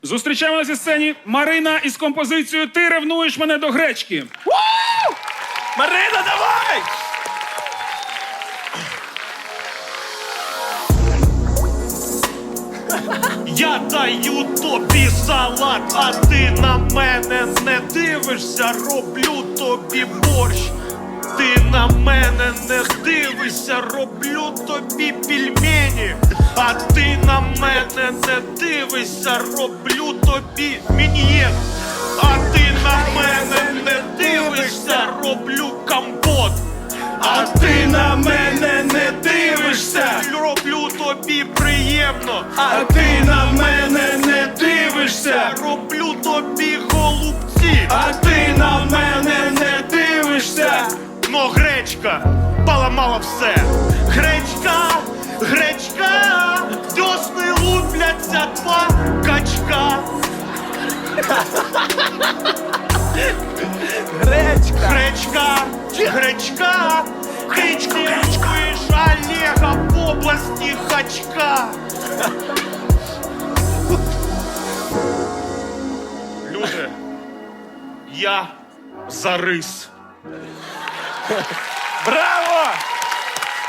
Зустрічаємо на цій сцені Марина із композицією «Ти ревнуєш мене до гречки». Марина, давай! Я даю тобі салат, а ти на мене не дивишся, роблю тобі борщ. Ти на мене не дивишся, роблю тобі пельмені. А ти на мене не дивишся, роблю тобі мін'єн. А ти на мене не дивишся, роблю компот. А ти на мене не дивишся, роблю тобі приємно. А ти на мене не дивишся, роблю тобі голубці. А ти на мене не дивишся, но гречка поламала все. Гречка, гречка, десни лупляться два качка. Гречка, гречка, гречка, ти чуєш Олега в області Хачка. Люди, я за рис. Браво!